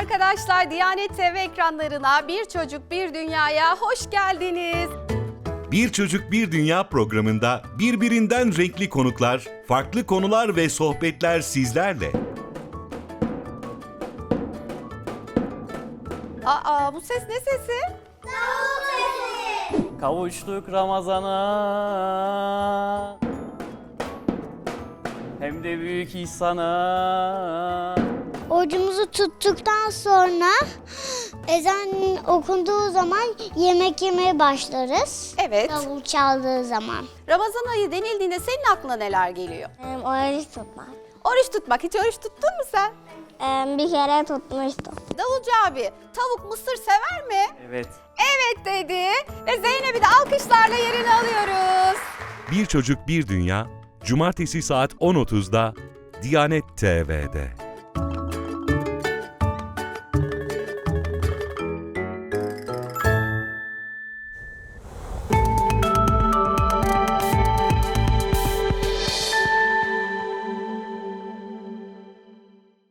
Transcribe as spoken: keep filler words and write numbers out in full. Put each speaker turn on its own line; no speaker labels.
arkadaşlar, Diyanet T V ekranlarına Bir Çocuk Bir Dünya'ya hoş geldiniz.
Bir Çocuk Bir Dünya programında birbirinden renkli konuklar, farklı konular ve sohbetler sizlerle.
Aa, bu ses ne sesi?
Kavuştuk Ramazan'a, hem de büyük ihsana.
Orucumuzu tuttuktan sonra ezan okunduğu zaman yemek yemeye başlarız.
Evet.
Davul çaldığı zaman.
Ramazan ayı denildiğinde senin aklına neler geliyor?
Oruç tutmak.
Oruç tutmak. Hiç oruç tuttun mu sen?
Bir kere tutmuştum.
Davulcu abi, tavuk mısır sever mi?
Evet.
Evet dedi ve Zeynep'i de alkışlarla yerine alıyoruz.
Bir Çocuk Bir Dünya, Cumartesi saat on otuzda Diyanet T V'de.